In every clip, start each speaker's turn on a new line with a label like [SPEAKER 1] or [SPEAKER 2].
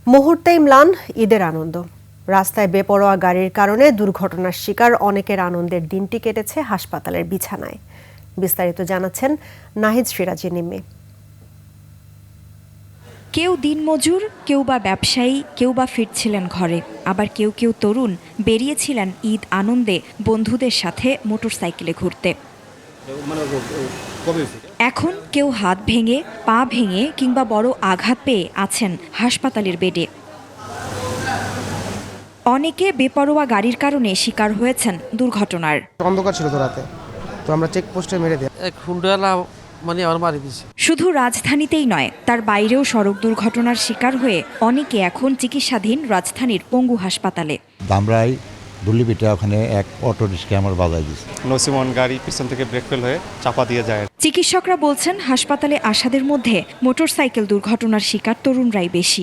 [SPEAKER 1] মুহূর্তেই ম্লান ঈদের আনন্দ। রাস্তায় বেপরোয়া গাড়ির কারণে দুর্ঘটনার শিকার অনেকের আনন্দের দিনটি কেটেছে হাসপাতালের বিছানায়। বিস্তারিত জানাচ্ছেন নাহিদ সিরাজি নিম্মি।
[SPEAKER 2] কেউ দিনমজুর, কেউ বা ব্যবসায়ী, কেউ বা ফিরছিলেন ঘরে, আবার কেউ কেউ তরুণ বেরিয়েছিলেন ঈদ আনন্দে বন্ধুদের সাথে মোটরসাইকেলে ঘুরতে। এখন কেউ হাত ভেঙে, পা ভেঙে কিংবা বড় আঘাত পেয়ে আছেন হাসপাতালের বেডে। অনেকে বেপরোয়া গাড়ির কারণে শিকার হয়েছেন দুর্ঘটনার।
[SPEAKER 3] অন্ধকার ছিল তো রাতে, তো আমরা চেকপোস্টে মেরে দিই।
[SPEAKER 2] শুধু রাজধানীতেই নয়, তার বাইরেও সড়ক দুর্ঘটনার শিকার হয়ে অনেকে এখন চিকিৎসাধীন রাজধানীর পঙ্গু হাসপাতালে।
[SPEAKER 4] ধামরাই দুল্লিপিটা ওখানে এক অটো রিক্সা আমার বাজায় দিচ্ছে।
[SPEAKER 5] নসিমন গাড়ি পিছন থেকে ব্রেক ফেল হয়ে চাপা দিয়ে যায়।
[SPEAKER 2] চিকিৎসকরা বলছেন হাসপাতালে আসাদের মধ্যে মোটরসাইকেল দুর্ঘটনার শিকার তরুণরাই বেশি।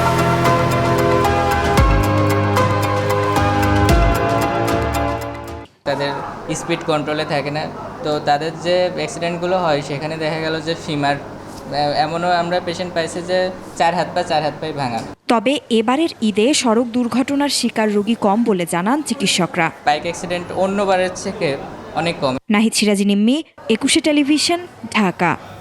[SPEAKER 6] তাদের স্পিড কন্ট্রোলে থাকে না, তো তাদের যে অ্যাক্সিডেন্টগুলো হয় সেখানে দেখা গেল যে ফিমার, এমনও আমরা পেশেন্ট পাইছি যে চার হাত পাই ভাঙা।
[SPEAKER 2] তবে এবারের ঈদে সড়ক দুর্ঘটনার শিকার রোগী কম বলে জানান চিকিৎসকরা।
[SPEAKER 6] বাইক অ্যাক্সিডেন্ট অন্যবারের থেকে অনেক কম।
[SPEAKER 2] নাহিদ সিরাজি নিম্মি, 21 টেলিভিশন, ঢাকা।